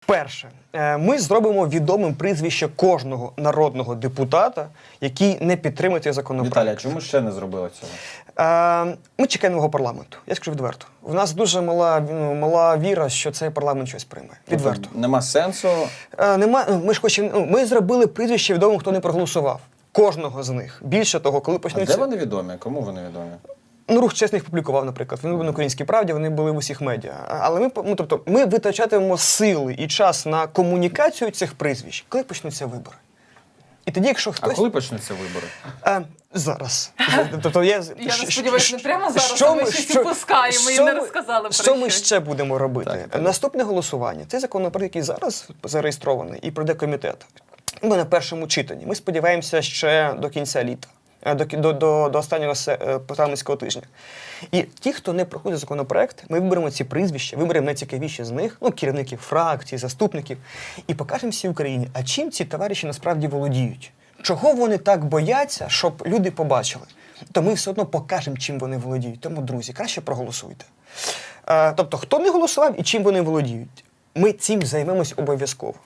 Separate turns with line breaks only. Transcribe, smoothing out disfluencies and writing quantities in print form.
Перше, ми зробимо відомим прізвище кожного народного депутата, який не підтримує цей законопроект.
Віталій, а чому ще не зробили цього?
Ми чекаємо нового парламенту. Я скажу відверто. В нас дуже мала віра, що цей парламент щось прийме. Відверто.
Тобто нема сенсу.
Ми зробили прізвище відомим, хто не проголосував. Кожного з них. Більше того, коли
А
почнуться...
де вони відомі? Кому вони відомі?
Рух чесних публікував, наприклад. Вони були на «Українській правді», вони були в усіх медіа. Але ми витрачатимемо сили і час на комунікацію цих прізвищ, коли почнуться вибори. І тоді, якщо хтось...
А коли почнуться вибори?
Зараз.
Я сподіваюся, не прямо зараз, а ми ще всі пускаємо і не розказали про
що ми
щось.
ще будемо робити?
Так.
Наступне голосування. Цей законопроект, який зараз зареєстрований і пройде комітет. Ми на першому читанні. Ми сподіваємося ще до кінця літа. До останнього парламентського тижня. І ті, хто не проходить законопроект, ми виберемо ці прізвища, виберемо найцікавіші з них, керівників фракцій, заступників, і покажемо всій Україні, а чим ці товариші насправді володіють. Чого вони так бояться, щоб люди побачили? То ми все одно покажемо, чим вони володіють. Тому, друзі, краще проголосуйте. Тобто, хто не голосував і чим вони володіють? Ми цим займемось обов'язково.